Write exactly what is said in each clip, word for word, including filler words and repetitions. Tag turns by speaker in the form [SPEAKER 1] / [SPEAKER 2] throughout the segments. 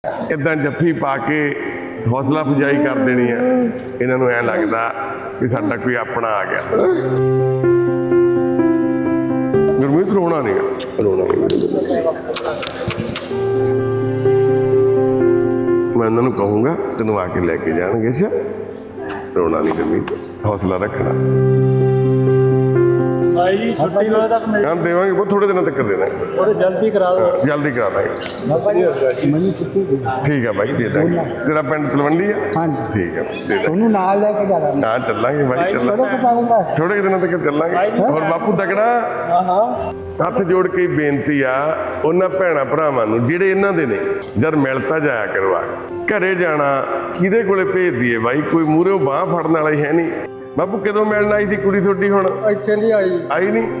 [SPEAKER 1] इदां जफ्फी पा के हौसला अफजाई कर देनी है। इन्हों ऐ लगता कि साडा कोई अपना आ गया। गुरमीत रोना नहीं, रोना नहीं। मैं उन्होंने कहूँगा तेन आके लैके जाएंगे। अच्छा रोना नहीं गुरमीत, हौसला रखना। हम देवांगे बहुत थोड़े दिनों तक कर देना,
[SPEAKER 2] जल्दी करा दो,
[SPEAKER 1] जल्दी करा देंगे। ठीक है भाई, दे देंगे। तेरा पिंड तलवंडी है?
[SPEAKER 3] हाँ जी
[SPEAKER 1] ठीक है, दे देंगे।
[SPEAKER 3] ਤੁਹਾਨੂੰ ਨਾਲ ਲੈ ਕੇ ਜਾਣਾ।
[SPEAKER 1] हाँ चलांगे भाई, चलांगे
[SPEAKER 3] ਕਦੋਂ ਪਤਾਉਂਗਾ
[SPEAKER 1] थोड़े दिनों तक चलांगे। और बापू तकड़ा
[SPEAKER 3] ਹਾਂ ਹਾਂ
[SPEAKER 1] ਹੱਥ ਜੋੜ ਕੇ ਬੇਨਤੀ ਆ ਉਹਨਾਂ ਭੈਣਾਂ ਭਰਾਵਾਂ ਨੂੰ ਜਿਹੜੇ ਇਹਨਾਂ ਦੇ ਨੇ, ਜਦ ਮਿਲਤਾ ਜਾਇਆ ਕਰੋ। ਆ ਘਰੇ ਜਾਣਾ ਕਿਹਦੇ ਕੋਲੇ ਭੇਜ ਦਈਏ ਬਾਈ? ਕੋਈ ਮੂਹਰੇ ਬਾਹ ਫੜਨ ਵਾਲਾ ਹੀ ਹੈ ਨਹੀਂ। ਬਾਪੂ ਕਦੋਂ ਮਿਲਣ ਆਈ ਸੀ ਕੁੜੀ ਤੁਹਾਡੀ? ਹੁਣ
[SPEAKER 3] ਇੱਥੇ ਨਹੀਂ ਆਈ
[SPEAKER 1] ਆਈ ਨਹੀਂ?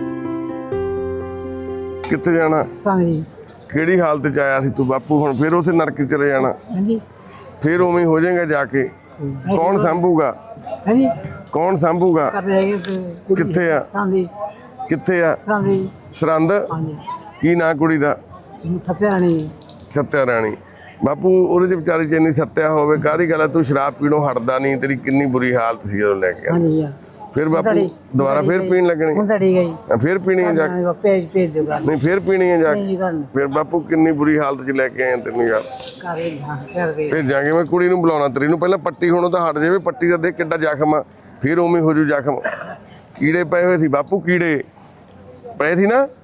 [SPEAKER 1] ਕਿੱਥੇ ਜਾਣਾ?
[SPEAKER 3] ਹਾਂਜੀ
[SPEAKER 1] ਕਿਹੜੀ ਹਾਲਤ ਚ ਆਇਆ ਸੀ ਤੂੰ ਬਾਪੂ? ਹੁਣ ਫਿਰ ਉਸੇ ਨਰਕ ਚ ਚਲੇ ਜਾਣਾ,
[SPEAKER 3] ਹਾਂਜੀ
[SPEAKER 1] ਫਿਰ ਉਵੇਂ ਹੀ ਹੋ ਜਾਏਗਾ ਜਾ ਕੇ। ਕੌਣ ਸੰਭੂਗਾ?
[SPEAKER 3] ਹਾਂਜੀ
[SPEAKER 1] ਕੌਣ ਸੰਭੂਗਾ?
[SPEAKER 3] ਕਰਦੇ ਹੈਗੇ ਤੇ
[SPEAKER 1] ਕਿੱਥੇ ਆ?
[SPEAKER 3] ਹਾਂਜੀ
[SPEAKER 1] ਕਿੱਥੇ ਆ?
[SPEAKER 3] ਹਾਂਜੀ
[SPEAKER 1] ਸਰੰਦ?
[SPEAKER 3] ਹਾਂਜੀ
[SPEAKER 1] ਕੀ ਨਾਂ ਕੁੜੀ ਦਾ?
[SPEAKER 3] ਫਤਿਹ ਰਾਣੀ।
[SPEAKER 1] ਸੱਤਿਆ ਰਾਣੀ। ਬਾਪੂ ਉਹਦੇ ਚ ਵਿਚਾਰੀ ਚ ਇੰਨੀ ਸੱਤਿਆ ਹੋਵੇ ਕਾਹਦੀ ਗੱਲ ਆ? ਤੂੰ ਸ਼ਰਾਬ ਪੀਣੋਂ ਹਟਦਾ ਨਹੀਂ, ਤੇਰੀ ਕਿੰਨੀ ਬੁਰੀ ਹਾਲਤ ਸੀ ਜਦੋਂ ਲੈ ਕੇ ਆਇਆ।
[SPEAKER 3] ਹਾਂਜੀ ਆ
[SPEAKER 1] ਫਿਰ ਬਾਪੂ ਦੁਬਾਰਾ ਫਿਰ ਪੀਣ ਲੱਗਣੀ?
[SPEAKER 3] ਹੁਣ ਤੜੀ ਗਈ
[SPEAKER 1] ਫਿਰ ਪੀਣੀ ਹੈ ਜਾ ਕੇ?
[SPEAKER 3] ਭੇਜ ਭੇਜ ਦਿਓ ਕਰ
[SPEAKER 1] ਨਹੀਂ ਫਿਰ ਪੀਣੀ ਹੈ ਜਾ ਕੇ?
[SPEAKER 3] ਨਹੀਂ ਕਰਨ
[SPEAKER 1] ਫਿਰ ਬਾਪੂ ਕਿੰਨੀ ਬੁਰੀ ਹਾਲਤ ਚ ਲੈ ਕੇ ਆਏ ਤੈਨੂੰ ਯਾਰ।
[SPEAKER 3] ਕਰੇ ਹਾਂ ਕਰ ਵੇ
[SPEAKER 1] ਫਿਰ ਜਾ ਕੇ ਮੈਂ ਕੁੜੀ ਨੂੰ ਬੁਲਾਉਣਾ ਤੇਰੀ ਨੂੰ। ਪਹਿਲਾਂ ਪੱਟੀ ਹੋਣੋਂ ਤਾਂ ਹਟ ਜਾਵੇ, ਪੱਟੀ ਦਾ ਦੇਖ ਕਿੱਡਾ ਜ਼ਖਮ ਆ, ਫਿਰ ਉਵੇਂ ਹੋ ਜੂ ਜ਼ਖਮ। ਕੀੜੇ ਪਏ ਹੋਏ ਸੀ ਬਾਪੂ, ਕੀੜੇ ਪਏ ਸੀ ਨਾ,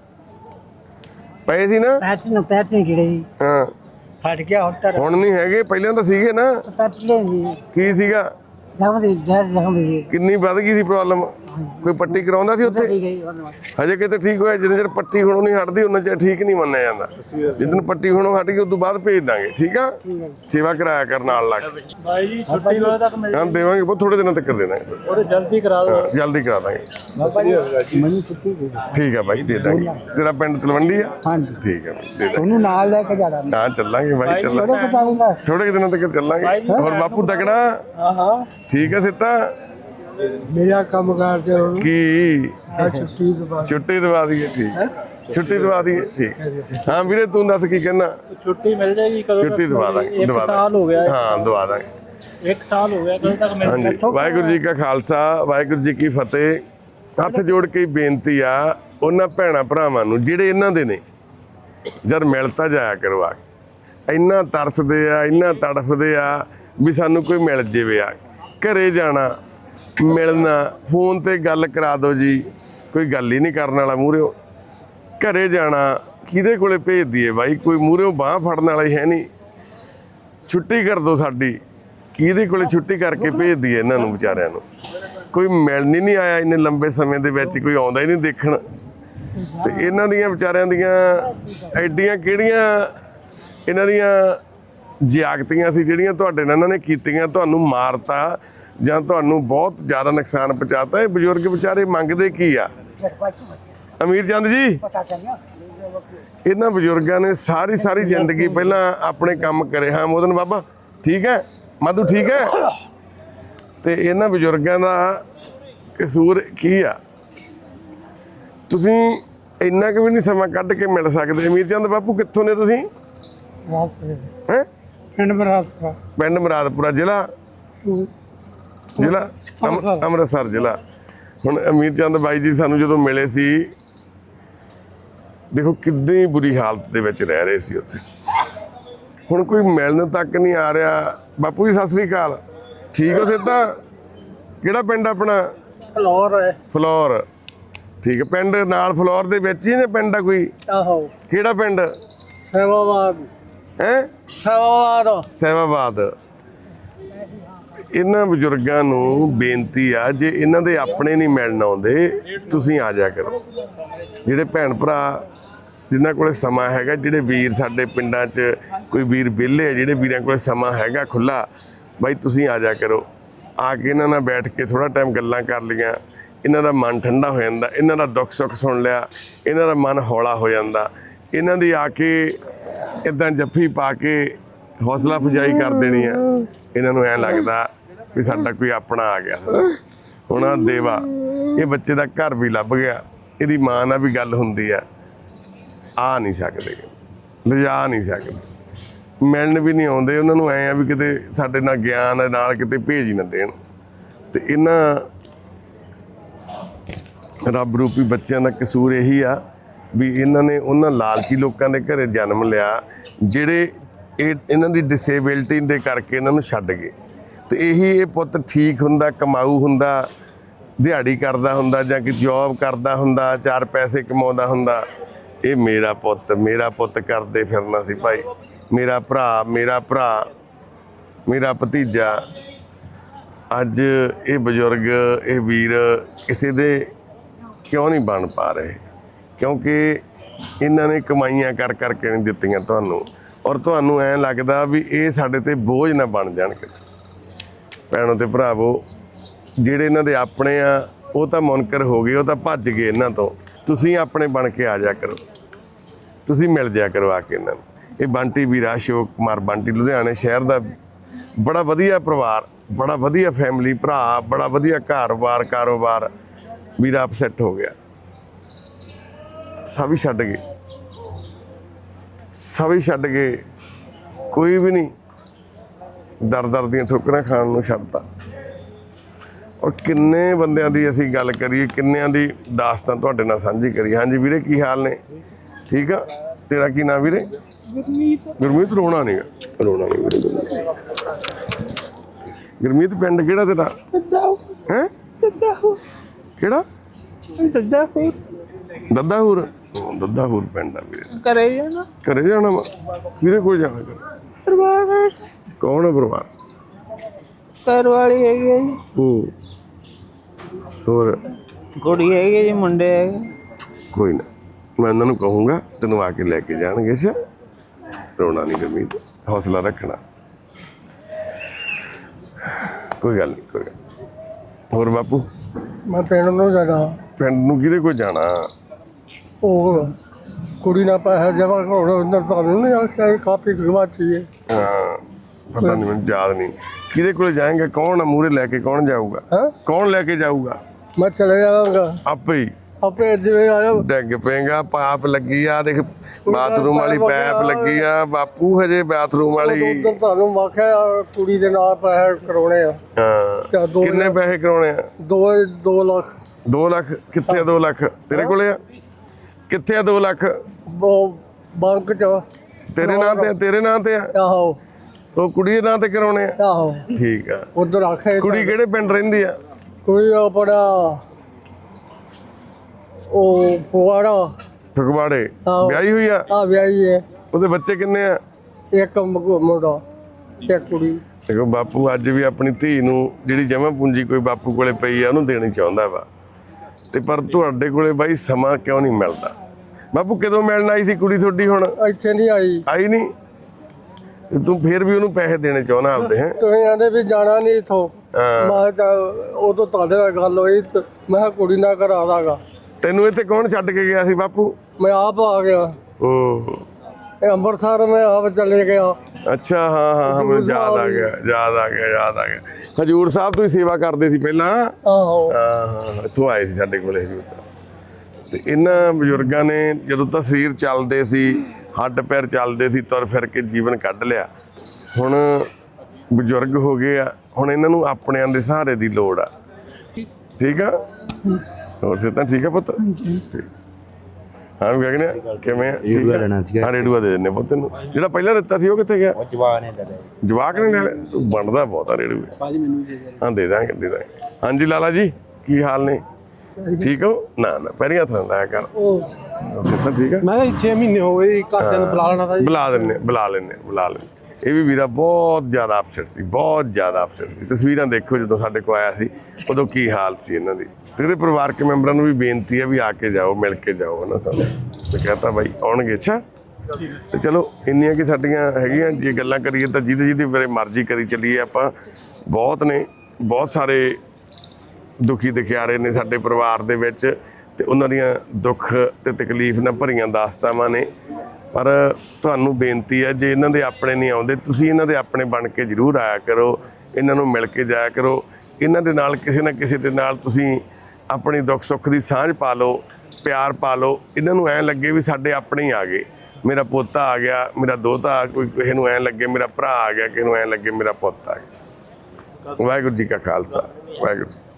[SPEAKER 1] ਪਏ ਸੀ ਨਾ?
[SPEAKER 3] ਪੈਚ ਨੂੰ ਪੈਚ ਨਹੀਂ ਕਿੜੇ ਜੀ
[SPEAKER 1] ਹਾਂ
[SPEAKER 3] ਫਟ ਗਿਆ ਹੁਣ ਤਾਂ
[SPEAKER 1] ਹੁਣ ਨਹੀਂ ਹੈਗੇ, ਪਹਿਲਾਂ ਤਾਂ ਸੀਗੇ ਨਾ।
[SPEAKER 3] ਪੈਚ ਲੈ ਜੀ
[SPEAKER 1] ਕੀ ਸੀਗਾ?
[SPEAKER 3] ਜਮ ਦੀ ਜ਼ਹਿਰ ਜਮ ਦੀ
[SPEAKER 1] ਕਿੰਨੀ ਵੱਧ ਗਈ ਸੀ ਪ੍ਰੋਬਲਮ? ਕੋਈ ਪੱਟੀ ਕਰਾਉਂਦਾ ਸੀ ਉੱਥੇ?
[SPEAKER 3] ਤੜੀ ਗਈ ਧੰਨਵਾਦ।
[SPEAKER 1] ਹਜੇ ਕਿਤੇ ਠੀਕ ਹੋਇਆ? ਜਿੰਨੇ ਚਿਰ ਪੱਟੀ ਹੋਣੋਂ ਨਹੀਂ ਹਟਦੀ ਉਹਨਾਂ ਚਿਰ ਠੀਕ ਨਹੀਂ ਮੰਨਿਆ ਜਾਂਦਾ। ਜਿੱਦਣ ਪੱਟੀ ਹੋਣੋਂ ਹਟ ਗਈ ਉਸ ਤੋਂ ਬਾਅਦ ਭੇਜ ਦਾਂਗੇ। ਠੀਕ ਆ?
[SPEAKER 3] ਠੀਕ ਹੈ ਜੀ।
[SPEAKER 1] ਸੇਵਾ ਕਰਾਇਆ ਕਰ ਨਾਲ ਲੱਗ।
[SPEAKER 2] भाई जी छुट्टी वाले तक मिल
[SPEAKER 1] ਹਾਂ ਦੇਵਾਂਗੇ ਬਹੁਤ ਥੋੜੇ ਦਿਨਾਂ ਤੱਕ ਕਰ ਦੇਣਾ।
[SPEAKER 2] और जल्दी करा दो।
[SPEAKER 1] ਜਲਦੀ ਕਰਾ ਦਾਂਗੇ।
[SPEAKER 3] ਮੈਨੂੰ ਛੁੱਟੀ ਦੇ ਦਿਓ।
[SPEAKER 1] ਠੀਕ ਆ ਭਾਈ, ਦੇ ਦਾਂਗੇ। ਤੇਰਾ ਪਿੰਡ ਤਲਵੰਡੀ ਆ?
[SPEAKER 3] ਹਾਂਜੀ
[SPEAKER 1] ਠੀਕ ਆ ਭਾਈ, ਦੇ ਦਾਂਗੇ।
[SPEAKER 3] ਤੁਹਾਨੂੰ ਨਾਲ ਲੈ ਕੇ ਜਾਣਾ।
[SPEAKER 1] ਹਾਂ ਚੱਲਾਂਗੇ ਭਾਈ, ਚੱਲਾਂਗੇ
[SPEAKER 3] ਕਦੋਂ ਪਤਾਉਂਗਾ?
[SPEAKER 1] ਥੋੜੇ ਦਿਨਾਂ ਤੱਕ ਚੱਲਾਂਗੇ। ਹੋਰ ਬਾਪੂ ਤਕੜਾ
[SPEAKER 3] ਹਾਂ ਹਾਂ
[SPEAKER 1] ਠੀਕ ਆ? ਸਿੱਤਾ
[SPEAKER 3] ਮੇਰਾ ਕੰਮ ਕਰਦੇ ਹੋ
[SPEAKER 1] ਕੀ
[SPEAKER 3] ਛੁੱਟੀ ਤੋਂ ਬਾਅਦ
[SPEAKER 1] ਛੁੱਟੀ ਦਵਾ ਦਈਏ? ਠੀਕ, ਛੁੱਟੀ ਦਵਾ ਦਈਏ। ਠੀਕ। ਹਾਂ ਵੀਰੇ ਤੂੰ ਦੱਸ ਕੀ ਕਹਿਣਾ?
[SPEAKER 2] छुट्टी मिल जाएगी कल
[SPEAKER 1] ਛੁੱਟੀ ਦਵਾ ਦਾਂਗੇ,
[SPEAKER 2] एक
[SPEAKER 1] ਦਵਾ
[SPEAKER 2] साल हो गया है।
[SPEAKER 1] ਹਾਂ ਦਵਾ ਦਾਂਗੇ।
[SPEAKER 2] एक साल हो गया कल तक मिल
[SPEAKER 1] ਹਾਂਜੀ ਵਾਹਿਗੁਰੂ ਜੀ ਕਾ ਖਾਲਸਾ ਵਾਹਿਗੁਰੂ ਜੀ ਕੀ ਫਤਿਹ। ਹੱਥ ਜੋੜ ਕੇ ਬੇਨਤੀ ਆ ਉਹਨਾਂ ਭੈਣਾਂ ਭਰਾਵਾਂ ਨੂੰ ਜਿਹੜੇ ਇਹਨਾਂ ਦੇ ਨੇ, ਜਦ ਮਿਲਤਾ ਜਾਇਆ ਕਰੋ। ਆ ਇੰਨਾ ਤਰਸਦੇ ਆ, ਇੰਨਾ ਤੜਫਦੇ ਆ ਵੀ ਸਾਨੂੰ ਕੋਈ ਮਿਲ ਜਾਵੇ। ਆ ਘਰੇ ਜਾਣਾ ਮਿਲਣਾ, ਫੋਨ ਤੇ ਗੱਲ ਕਰਾ ਦਿਓ ਜੀ, ਕੋਈ ਗੱਲ ਹੀ ਨਹੀਂ ਕਰਨ ਵਾਲਾ ਮੂਹਰੇ। ਘਰੇ ਜਾਣਾ ਕਿਹਦੇ ਕੋਲੇ ਭੇਜ ਦਈਏ ਬਾਈ? ਕੋਈ ਮੂਹਰੇ ਬਾਹ ਫੜਨ ਵਾਲਾ ਹੀ ਹੈ ਨਹੀਂ। ਛੁੱਟੀ ਕਰ ਦਿਓ ਸਾਡੀ, ਕਿਹਦੇ ਕੋਲੇ ਛੁੱਟੀ ਕਰਕੇ ਭੇਜ ਦਈਏ ਇਹਨਾਂ ਨੂੰ ਵਿਚਾਰਿਆਂ ਨੂੰ? ਕੋਈ ਮਿਲਣ ਹੀ ਨਹੀਂ ਆਇਆ ਇੰਨੇ ਲੰਬੇ ਸਮੇਂ ਦੇ ਵਿੱਚ, ਕੋਈ ਆਉਂਦਾ ਹੀ ਨਹੀਂ ਦੇਖਣ। ਤੇ ਇਹਨਾਂ ਦੀਆਂ ਵਿਚਾਰਿਆਂ ਦੀਆਂ ਐਡੀਆਂ ਕਿਹੜੀਆਂ ਇਹਨਾਂ ਦੀਆਂ ਜ਼ਿਆਦਤੀਆਂ ਸੀ ਜਿਹੜੀਆਂ ਤੁਹਾਡੇ ਨਾਲ ਇਹਨਾਂ ਨੇ ਕੀਤੀਆਂ, ਤੁਹਾਨੂੰ ਮਾਰਤਾ ਜਾਂ ਤੁਹਾਨੂੰ ਬਹੁਤ ਜ਼ਿਆਦਾ ਨੁਕਸਾਨ ਪਹੁੰਚਾਤਾ। ਇਹ ਬਜ਼ੁਰਗ ਵਿਚਾਰੇ ਮੰਗਦੇ ਕੀ ਆ? ਅਮੀਰ ਚੰਦ ਜੀ, ਇਹਨਾਂ ਬਜ਼ੁਰਗਾਂ ਨੇ ਸਾਰੀ ਸਾਰੀ ਜ਼ਿੰਦਗੀ ਪਹਿਲਾਂ ਆਪਣੇ ਕੰਮ ਕਰੇ। ਹਾਂ ਮੋਦਨ ਬਾਬਾ ਠੀਕ ਹੈ? ਮਾਧੂ ਠੀਕ ਹੈ? ਤੇ ਇਹਨਾਂ ਬਜ਼ੁਰਗਾਂ ਦਾ ਕਸੂਰ ਕੀ ਆ? ਤੁਸੀਂ ਇੰਨਾ ਕੁ ਵੀ ਨਹੀਂ ਸਮਾਂ ਕੱਢ ਕੇ ਮਿਲ ਸਕਦੇ। ਅਮੀਰ ਚੰਦ ਬਾਪੂ ਕਿੱਥੋਂ ਨੇ ਤੁਸੀਂ? ਹੈ
[SPEAKER 3] ਪਿੰਡ ਮਰਾਦਪੁਰਾ।
[SPEAKER 1] ਪਿੰਡ ਮੁਰਾਦਪੁਰਾ, ਜ਼ਿਲ੍ਹਾ ਜ਼ਿਲ੍ਹਾ ਅੰਮ੍ਰਿ- ਅੰਮ੍ਰਿਤਸਰ ਜ਼ਿਲ੍ਹਾ। ਹੁਣ ਅਮੀਰ ਚੰਦ ਬਾਈ ਜੀ ਸਾਨੂੰ ਜਦੋਂ ਮਿਲੇ ਸੀ, ਦੇਖੋ ਕਿੰਨੀ ਬੁਰੀ ਹਾਲਤ ਦੇ ਵਿੱਚ ਰਹਿ ਰਹੇ ਸੀ ਉੱਥੇ। ਹੁਣ ਕੋਈ ਮਿਲਣ ਤੱਕ ਨਹੀਂ ਆ ਰਿਹਾ। ਬਾਪੂ ਜੀ ਸਤਿ ਸ੍ਰੀ ਅਕਾਲ, ਠੀਕ ਹੋ ਸਿੱਧਾ? ਕਿਹੜਾ ਪਿੰਡ ਆਪਣਾ?
[SPEAKER 2] फ्लोर है।
[SPEAKER 1] ਫਲੋਰ। ਠੀਕ ਹੈ, ਪਿੰਡ ਨਾਲ ਫਲੋਰ ਦੇ ਵਿੱਚ ਹੀ ਨੇ ਪਿੰਡ ਆ ਕੋਈ?
[SPEAKER 2] आहो
[SPEAKER 1] ਕਿਹੜਾ ਪਿੰਡ
[SPEAKER 2] सेवाबाद
[SPEAKER 1] ਹੈ?
[SPEAKER 2] सेवाबाद
[SPEAKER 1] ਸਹਿਬਾਬਾਦ। ਇਹਨਾਂ ਬਜ਼ੁਰਗਾਂ ਨੂੰ ਬੇਨਤੀ ਆ, ਜੇ ਇਹਨਾਂ ਦੇ ਆਪਣੇ ਨਹੀਂ ਮਿਲਣ ਆਉਂਦੇ ਤੁਸੀਂ ਆ ਜਾ ਕਰੋ। ਜਿਹੜੇ ਭੈਣ ਭਰਾ ਜਿਨ੍ਹਾਂ ਕੋਲੇ ਸਮਾਂ ਹੈਗਾ, ਜਿਹੜੇ ਵੀਰ ਸਾਡੇ ਪਿੰਡਾਂ 'ਚ ਕੋਈ ਵੀਰ ਵਿਹਲੇ ਆ, ਜਿਹੜੇ ਵੀਰਾਂ ਕੋਲੇ ਸਮਾਂ ਹੈਗਾ ਖੁੱਲ੍ਹਾ, ਬਾਈ ਤੁਸੀਂ ਆ ਜਾ ਕਰੋ। ਆ ਕੇ ਇਹਨਾਂ ਨਾਲ ਬੈਠ ਕੇ ਥੋੜ੍ਹਾ ਟਾਈਮ ਗੱਲਾਂ ਕਰ ਲਈਆਂ, ਇਹਨਾਂ ਦਾ ਮਨ ਠੰਡਾ ਹੋ ਜਾਂਦਾ, ਇਹਨਾਂ ਦਾ ਦੁੱਖ ਸੁੱਖ ਸੁਣ ਲਿਆ, ਇਹਨਾਂ ਦਾ ਮਨ ਹੌਲਾ ਹੋ ਜਾਂਦਾ। ਇਹਨਾਂ ਦੀ ਆ ਕੇ ਇੱਦਾਂ ਜੱਫੀ ਪਾ ਕੇ ਹੌਸਲਾ ਅਫਜਾਈ ਕਰ ਦੇਣੀ ਆ। ਇਹਨਾਂ ਨੂੰ ਐਂ ਲੱਗਦਾ ਵੀ ਸਾਡਾ ਕੋਈ ਆਪਣਾ ਆ ਗਿਆ। ਹੁਣ ਆਹ ਦੇਵਾ ਇਹ ਬੱਚੇ ਦਾ ਘਰ ਵੀ ਲੱਭ ਗਿਆ, ਇਹਦੀ ਮਾਂ ਨਾਲ ਵੀ ਗੱਲ ਹੁੰਦੀ ਆ, ਆ ਨਹੀਂ ਸਕਦੇ, ਲਿਜਾ ਨਹੀਂ ਸਕਦੇ। ਮਿਲਣ ਵੀ ਨਹੀਂ ਆਉਂਦੇ, ਉਹਨਾਂ ਨੂੰ ਐਂ ਆ ਵੀ ਕਿਤੇ ਸਾਡੇ ਨਾਲ ਗਿਆਨ ਨਾਲ ਕਿਤੇ ਭੇਜ ਹੀ ਨਾ ਦੇਣ। ਤੇ ਇਹਨਾਂ ਰੱਬ ਰੂਪੀ ਬੱਚਿਆਂ ਦਾ ਕਸੂਰ ਇਹੀ ਆ ਵੀ ਇਹਨਾਂ ਨੇ ਉਹਨਾਂ ਲਾਲਚੀ ਲੋਕਾਂ ਦੇ ਘਰੇ ਜਨਮ ਲਿਆ ਜਿਹੜੇ ਇਹ ਇਹਨਾਂ ਦੀ ਡਿਸੇਬਿਲਟੀ ਦੇ ਕਰਕੇ ਇਹਨਾਂ ਨੂੰ ਛੱਡ ਗਏ। ਤੇ ਇਹੀ ਇਹ ਪੁੱਤ ਠੀਕ ਹੁੰਦਾ, ਕਮਾਊ ਹੁੰਦਾ, ਦਿਹਾੜੀ ਕਰਦਾ ਹੁੰਦਾ ਜਾਂ ਕਿ ਜੌਬ ਕਰਦਾ ਹੁੰਦਾ, ਚਾਰ ਪੈਸੇ ਕਮਾਉਂਦਾ ਹੁੰਦਾ, ਇਹ ਮੇਰਾ ਪੁੱਤ ਮੇਰਾ ਪੁੱਤ ਕਰਦੇ ਫਿਰਨਾ ਸੀ ਭਾਈ। ਮੇਰਾ ਭਰਾ ਮੇਰਾ ਭਰਾ ਮੇਰਾ ਭਤੀਜਾ। ਅੱਜ ਇਹ ਬਜ਼ੁਰਗ ਇਹ ਵੀਰ ਕਿਸੇ ਦੇ ਕਿਉਂ ਨਹੀਂ ਬਣ ਪਾ ਰਹੇ? ਕਿਉਂਕਿ ਇਹਨਾਂ ਨੇ ਕਮਾਈਆਂ ਕਰ ਕਰਕੇ ਨਹੀਂ ਦਿੱਤੀਆਂ ਤੁਹਾਨੂੰ, ਔਰ ਤੁਹਾਨੂੰ ਐਂ ਲੱਗਦਾ ਵੀ ਇਹ ਸਾਡੇ ਤੇ ਬੋਝ ਨਾ ਬਣ ਜਾਣ। ਕਿਤੇ ਭੈਣੋ ਤੇ ਭਰਾਵੋ, ਜਿਹੜੇ ਇਹਨਾਂ ਦੇ ਆਪਣੇ ਆ ਉਹ ਤਾਂ ਮੁਨਕਰ ਹੋ ਗਏ, ਉਹ ਤਾਂ ਭੱਜ ਗਏ ਇਹਨਾਂ ਤੋਂ। ਤੁਸੀਂ ਆਪਣੇ ਬਣ ਕੇ ਆ ਜਾ ਕਰੋ, ਤੁਸੀਂ ਮਿਲ ਜਾ ਕਰੋ ਆ ਕੇ ਇਹਨਾਂ ਨੂੰ। ਇਹ ਬੰਟੀ ਵੀਰਾ ਅਸ਼ੋਕ ਕੁਮਾਰ ਬੰਟੀ ਲੁਧਿਆਣੇ ਸ਼ਹਿਰ ਦਾ ਬੜਾ ਵਧੀਆ ਪਰਿਵਾਰ, ਬੜਾ ਵਧੀਆ ਫੈਮਿਲੀ, ਭਰਾ, ਬੜਾ ਵਧੀਆ ਘਰ-ਬਾਰ ਕਾਰੋਬਾਰ। ਵੀਰਾ ਅਪਸੈਟ ਹੋ ਗਿਆ, ਸਭ ਹੀ ਛੱਡ ਗਏ, ਸਭ ਹੀ ਛੱਡ ਗਏ। ਕੋਈ ਵੀ ਨਹੀਂ ਦਰ ਦਰ ਦੀਆਂ ਠੋਕਰਾਂ ਖਾਣ ਨੂੰ ਛੱਡਤਾ। ਔਰ ਕਿੰਨੇ ਬੰਦਿਆਂ ਦੀ ਅਸੀਂ ਗੱਲ ਕਰੀਏ, ਕਿੰਨਿਆਂ ਦੀ ਦਾਸਤਾਨ ਤੁਹਾਡੇ ਨਾਲ ਸਾਂਝੀ ਕਰੀਏ। ਹਾਂਜੀ ਵੀਰੇ, ਕੀ ਹਾਲ ਨੇ? ਠੀਕ ਆ। ਤੇਰਾ ਕੀ ਨਾਂ ਵੀਰੇ? ਗੁਰਮੀਤ। ਗੁਰਮੀਤ, ਰੋਣਾ ਨਹੀਂ ਗਾ, ਰੋਣਾ ਨਹੀਂ ਵੀਰੇ। ਗੁਰਮੀਤ, ਪਿੰਡ ਕਿਹੜਾ ਤੇਰਾ? ਹੈ ਕਿਹੜਾ?
[SPEAKER 3] ਦੱਦਾਹੂਰ।
[SPEAKER 1] ਦੱਦਾਹੂਰ। ਦੱਦਾਹੂਰ ਪਿੰਡ ਆ ਵੀਰੇ।
[SPEAKER 3] ਕਰੇ ਜਾਣਾ।
[SPEAKER 1] ਘਰੇ ਜਾਣਾ ਵਾ? ਵੀਰੇ ਕੋਲ ਜਾਣਾ ਕਰ।
[SPEAKER 3] ਪਰਿਵਾਰ
[SPEAKER 1] ਕੌਣ ਹੈ ਪਰਿਵਾਰ?
[SPEAKER 3] ਘਰ ਵਾਲੀ ਹੈਗੀ ਹੈ ਜੀ,
[SPEAKER 1] ਹੂੰ। ਹੋਰ
[SPEAKER 3] ਕੁੜੀ ਹੈਗੀ ਹੈ ਜੀ, ਮੁੰਡੇ ਹੈਗੇ।
[SPEAKER 1] ਕੋਈ ਨਾ, ਮੈਂ ਇਹਨਾਂ ਨੂੰ ਕਹੂੰਗਾ ਤੈਨੂੰ ਆ ਕੇ ਲੈ ਕੇ ਜਾਣਗੇ। ਅੱਛਾ, ਰੋਣਾ ਨਹੀਂ ਗੁਰਮੀਤ, ਹੌਸਲਾ ਰੱਖਣਾ, ਕੋਈ ਗੱਲ ਨਹੀਂ, ਕੋਈ ਗੱਲ ਨਹੀਂ। ਹੋਰ ਬਾਪੂ?
[SPEAKER 3] ਮੈਂ ਪਿੰਡ ਨੂੰ ਜਾਣਾ।
[SPEAKER 1] ਪਿੰਡ ਨੂੰ ਕਿਹਦੇ ਕੋਲ ਜਾਣਾ?
[SPEAKER 3] ਉਹ ਕੁੜੀ ਨਾਲ ਪੈਸਾ ਜਮ੍ਹਾਂ ਕਰਾਉਣਾ, ਤੁਹਾਨੂੰ ਨਹੀਂ ਆਖਿਆ ਕਾਪੀ ਗਵਾਚੀ ਹੈ।
[SPEAKER 1] ਹਾਂ, ਪਤਾ ਨਹੀਂ, ਮੈਨੂੰ ਯਾਦ ਨਹੀਂ। ਕਿਹਦੇ ਕੋਲ ਜਾਏਗਾ? ਕੌਣ ਆ ਮੂਹਰੇ ਲੈ ਕੇ? ਕੌਣ ਜਾਊਗਾ?
[SPEAKER 3] ਹੈਂ?
[SPEAKER 1] ਕੌਣ ਲੈ ਕੇ ਜਾਊਗਾ?
[SPEAKER 3] ਮੈਂ ਚਲੇ ਜਾਵਾਂਗਾ
[SPEAKER 1] ਆਪੇ ਹੀ
[SPEAKER 3] ਆਪੇ ਜਿਵੇਂ ਆਇਆ।
[SPEAKER 1] ਡਿੱਗ ਪਏਗਾ, ਪਾਪ ਲੱਗੀ ਆ, ਦੇਖ ਬਾਥਰੂਮ ਵਾਲੀ ਪੈਪ ਲੱਗੀ ਆ ਬਾਪੂ, ਹਜੇ ਬਾਥਰੂਮ ਵਾਲੀ।
[SPEAKER 3] ਉਧਰ ਤੁਹਾਨੂੰ ਆਖਿਆ ਕੁੜੀ ਦੇ ਨਾਲ ਪੈਸੇ ਕਰਾਉਣੇ ਆ।
[SPEAKER 1] ਹਾਂ,
[SPEAKER 3] ਦੋ
[SPEAKER 1] ਕਿੰਨੇ ਪੈਸੇ ਕਰਾਉਣੇ ਆ?
[SPEAKER 3] ਦੋ ਦੋ ਲੱਖ।
[SPEAKER 1] ਦੋ ਲੱਖ? ਕਿੱਥੇ ਆ ਦੋ ਲੱਖ? ਤੇਰੇ ਕੋਲੇ ਆ? ਕਿੱਥੇ ਆ ਦੋ ਲੱਖ?
[SPEAKER 3] ਉਹ ਬੈਂਕ ਚ।
[SPEAKER 1] ਤੇਰੇ ਨਾਂ ਤੇ? ਤੇਰੇ ਨਾਂ ਤੇ ਆ?
[SPEAKER 3] ਆਹੋ
[SPEAKER 1] ਉਹ ਕੁੜੀ ਦੇ ਨਾਂ ਤੇ ਕਰਾਉਣੇ ਆ?
[SPEAKER 3] ਆਹੋ।
[SPEAKER 1] ਠੀਕ ਆ।
[SPEAKER 3] ਉਧਰ ਆਖਿਆ
[SPEAKER 1] ਕੁੜੀ ਕਿਹੜੇ ਪਿੰਡ ਰਹਿੰਦੀ ਆ?
[SPEAKER 3] ਕੁੜੀ ਆਪਣਾ ਉਹ ਫੁਆੜਾ
[SPEAKER 1] ਫਗਵਾੜੇ।
[SPEAKER 3] ਆਹੋ।
[SPEAKER 1] ਵਿਆਹੀ ਹੋਈ ਆ?
[SPEAKER 3] ਆ ਵਿਆਹੀ ਹੈ।
[SPEAKER 1] ਉਹਦੇ ਬੱਚੇ ਕਿੰਨੇ ਆ?
[SPEAKER 3] ਇੱਕ ਮ- ਮੁੰਡਾ ਇੱਕ ਕੁੜੀ।
[SPEAKER 1] ਦੇਖੋ ਬਾਪੂ, ਅੱਜ ਵੀ ਆਪਣੀ ਧੀ ਨੂੰ ਜਿਹੜੀ ਜਮ੍ਹਾਂ ਪੂੰਜੀ ਕੋਈ ਬਾਪੂ ਕੋਲੇ ਪਈ ਆ ਉਹਨੂੰ ਦੇਣੀ ਚਾਹੁੰਦਾ ਵਾ, ਤੇ ਪਰ ਤੁਹਾਡੇ ਕੋਲੇ ਬਾਈ ਸਮਾਂ ਕਿਉਂ ਨਹੀਂ ਮਿਲਦਾ? ਬਾਪੂ, ਕਦੋਂ ਮਿਲਣ ਆਈ ਸੀ ਕੁੜੀ ਤੁਹਾਡੀ? ਹੁਣ
[SPEAKER 3] ਇੱਥੇ ਨਹੀਂ ਆਈ।
[SPEAKER 1] ਆਈ ਨਹੀਂ? ਤੇ ਤੂੰ ਫੇਰ ਵੀ ਉਹਨੂੰ ਪੈਸੇ ਦੇਣੇ ਚਾਹੁੰਦਾ ਆਪਦੇ? ਹੈ
[SPEAKER 3] ਤੁਸੀਂ ਆਂਦੇ ਵੀ ਜਾਣਾ ਨਹੀਂ ਇਥੋਂ।
[SPEAKER 1] ਹਾਂ।
[SPEAKER 3] ਮੈਂ ਤਾਂ ਉਦੋਂ ਤੁਹਾਡੇ ਨਾਲ ਗੱਲ ਹੋਈ ਤੇ ਮੈਂ ਕਿਹਾ ਕੁੜੀ ਨਾਲ ਕਰਾ ਦਾਂਗਾ।
[SPEAKER 1] ਤੈਨੂੰ ਇੱਥੇ ਕੌਣ ਛੱਡ ਕੇ ਗਿਆ ਸੀ ਬਾਪੂ?
[SPEAKER 3] ਮੈਂ ਆਪ ਆ ਗਿਆ।
[SPEAKER 1] ਹੂੰ।
[SPEAKER 3] ਇਹ ਅੰਮ੍ਰਿਤਸਰ ਮੈਂ ਆਪ ਚਲੇ ਗਿਆ।
[SPEAKER 1] ਅੱਛਾ, ਹਾਂ ਹਾਂ ਹਾਂ, ਮੈਨੂੰ ਯਾਦ ਆ ਗਿਆ, ਯਾਦ ਆ ਗਿਆ, ਯਾਦ ਆ ਗਿਆ। ਹਜੂਰ ਸਾਹਿਬ ਤੁਸੀਂ ਸੇਵਾ ਕਰਦੇ ਸੀ ਪਹਿਲਾਂ?
[SPEAKER 3] ਆਹੋ।
[SPEAKER 1] ਹਾਂ ਹਾਂ, ਇੱਥੋਂ ਆਏ ਸੀ ਸਾਡੇ ਕੋਲੇ ਹਜੂਰ ਸਾਹਿਬ। ਤੇ ਇਹਨਾਂ ਬਜ਼ੁਰਗਾਂ ਨੇ ਜਦੋਂ ਤਾਂ ਸਰੀਰ ਚੱਲਦੇ ਸੀ, ਹੱਡ ਪੈਰ ਚੱਲਦੇ ਸੀ, ਤੁਰ ਫਿਰ ਕੇ ਜੀਵਨ ਕੱਢ ਲਿਆ। ਹੁਣ ਬਜ਼ੁਰਗ ਹੋ ਗਏ ਆ, ਹੁਣ ਇਹਨਾਂ ਨੂੰ ਆਪਣਿਆਂ ਦੇ ਸਹਾਰੇ ਦੀ ਲੋੜ ਆ। ਠੀਕ ਆ? ਹੋਰ ਸਿਹਤਾਂ ਠੀਕ ਆ ਪੁੱਤ? ਠੀਕ। ਹਾਂ ਵੀ ਕਹਿੰਦੇ ਕਿਵੇਂ ਆ? ਹਾਂ, ਰੇਡੂਆ ਦੇ ਦਿੰਦੇ ਪੁੱਤ ਨੂੰ। ਜਿਹੜਾ ਪਹਿਲਾਂ ਦਿੱਤਾ ਸੀ ਉਹ ਕਿੱਥੇ ਗਿਆ? ਜਵਾਕ ਨੇ ਲੈ ਲਿਆ? ਤੂੰ ਬਣਦਾ ਬਹੁਤ ਆ ਰੇਡੂਏ। ਹਾਂ, ਦੇ ਦਾਂਗੇ, ਦੇ ਦਾਂਗੇ। ਹਾਂਜੀ ਲਾਲਾ ਜੀ, ਕੀ ਹਾਲ ਨੇ? ਠੀਕ ਹੋ? ਨਾ ਨਾ, ਪੈਰੀਂ ਹੱਥ ਨਾ ਲਾਇਆ ਕਰ। ਸਿਹਤਾਂ ਠੀਕ ਆ?
[SPEAKER 3] ਮੈਂ ਛੇ ਮਹੀਨੇ ਹੋ ਗਏ ਘਰਦਿਆਂ ਨੂੰ ਬੁਲਾ ਲੈਣਾ ਤਾਂ ਜੀ।
[SPEAKER 1] ਬੁਲਾ ਲੈਣੇ ਬੁਲਾ ਲੈਣੇ ਬੁਲਾ ਲੈਣੇ ਇਹ ਵੀ ਵੀਰਾ ਬਹੁਤ ਜ਼ਿਆਦਾ ਅਪਸੈਟ ਸੀ, ਬਹੁਤ ਜ਼ਿਆਦਾ ਅਪਸੈਟ ਸੀ। ਤਸਵੀਰਾਂ ਦੇਖੋ ਜਦੋਂ ਸਾਡੇ ਕੋਲ ਆਇਆ ਸੀ ਉਦੋਂ ਕੀ ਹਾਲ ਸੀ ਇਹਨਾਂ ਦੀ। ਤੇ ਇਹਦੇ ਪਰਿਵਾਰਕ ਮੈਂਬਰਾਂ ਨੂੰ ਵੀ ਬੇਨਤੀ ਹੈ ਵੀ ਆ ਕੇ ਜਾਓ, ਮਿਲ ਕੇ ਜਾਓ ਨਾ ਸਾਨੂੰ। ਤੇ ਕਹਤਾ ਬਾਈ ਆਉਣਗੇ। ਅੱਛਾ, ਤੇ ਚਲੋ ਇੰਨੀਆਂ ਕਿ ਸਾਡੀਆਂ ਹੈਗੀਆਂ। ਜੇ ਗੱਲਾਂ ਕਰੀਏ ਤਾਂ ਜਿਹਦੇ ਜਿਹਦੇ ਬਾਰੇ ਮਰਜ਼ੀ ਕਰੀ ਚੱਲੀਏ ਆਪਾਂ। ਬਹੁਤ ਨੇ, ਬਹੁਤ ਸਾਰੇ ਦੁਖੀ ਦਿਖਿਆਰੇ ਨੇ ਸਾਡੇ ਪਰਿਵਾਰ ਦੇ ਵਿੱਚ, ਤੇ ਉਹਨਾਂ ਦੀਆਂ ਦੁੱਖ ਤੇ ਤਕਲੀਫ ਨਾਲ ਭਰੀਆਂ ਦਾਸਤਾਵਾਂ ਨੇ। ਪਰ ਤੁਹਾਨੂੰ ਬੇਨਤੀ ਹੈ, ਜੇ ਇਹਨਾਂ ਦੇ ਆਪਣੇ ਨਹੀਂ ਆਉਂਦੇ, ਤੁਸੀਂ ਇਹਨਾਂ ਦੇ ਆਪਣੇ ਬਣ ਕੇ ਜ਼ਰੂਰ ਆਇਆ ਕਰੋ, ਇਹਨਾਂ ਨੂੰ ਮਿਲ ਕੇ ਜਾਇਆ ਕਰੋ। ਇਹਨਾਂ ਦੇ ਨਾਲ ਕਿਸੇ ਨਾ ਕਿਸੇ ਦੇ ਨਾਲ ਤੁਸੀਂ ਆਪਣੀ ਦੁੱਖ ਸੁੱਖ ਦੀ ਸਾਂਝ ਪਾ ਲਓ, ਪਿਆਰ ਪਾ ਲਓ। ਇਹਨਾਂ ਨੂੰ ਐਂ ਲੱਗੇ ਵੀ ਸਾਡੇ ਆਪਣੇ ਹੀ ਆ ਗਏ। ਮੇਰਾ ਪੋਤਾ ਆ ਗਿਆ, ਮੇਰਾ ਦੋਤਾ, ਕੋਈ ਕਿਸੇ ਨੂੰ ਐਂ ਲੱਗੇ ਮੇਰਾ ਭਰਾ ਆ ਗਿਆ, ਕਿਸੇ ਨੂੰ ਐਂ ਲੱਗੇ ਮੇਰਾ ਪੁੱਤ ਆ ਗਿਆ। ਵਾਹਿਗੁਰੂ ਜੀ ਕਾ ਖਾਲਸਾ, ਵਾਹਿਗੁਰੂ ਜੀ।